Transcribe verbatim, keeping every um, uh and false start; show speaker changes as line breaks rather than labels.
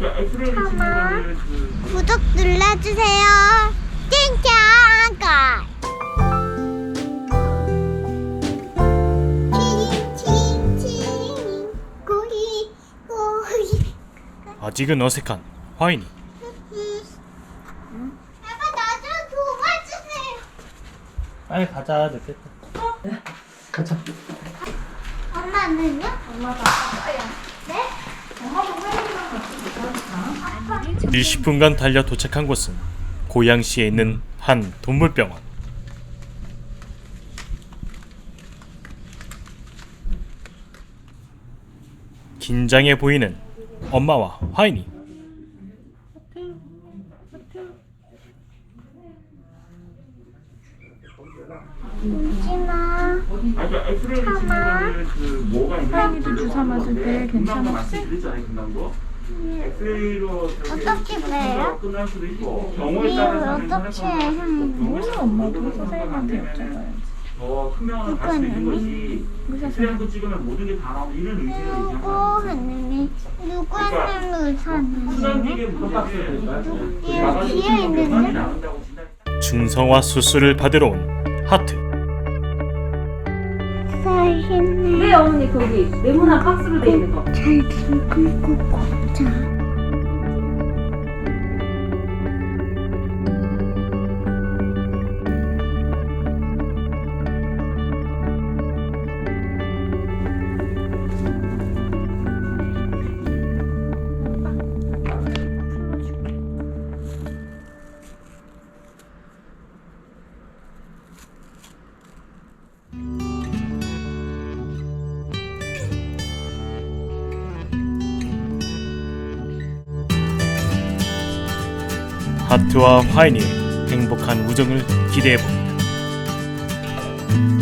참아. 구독 눌러주세요. 띵짱가. 칭칭칭 고기 고기.
아직은 어색한 화인이.
아빠 나 좀 도와주세요.
빨리 가자. 늦겠다. 가자.
엄마는요? 엄마가 아빠야. 네?
이십 분간 달려 도착한 곳은 고양시에 있는 한 동물병원. 긴장해 보이는 엄마와 화인이.
울지마. 참아.
하영이도 주사 맞을 때 괜찮았지?
어떻게 빼요? 이걸 어떻게 하는
몰라, 엄마도 선생님한테 여쭤봐야지.
누구
의사 선생님.
누구 하느니? 누구 하느니 의사는? 얘 뒤에 있는데?
중성화 수술을 받으러 온 하트.
살겠네.
네 어머니 거기 네모난 박스로 돼 있는 거.
잘 들고 걷자.
하트와 화인이의 행복한 우정을 기대해봅니다.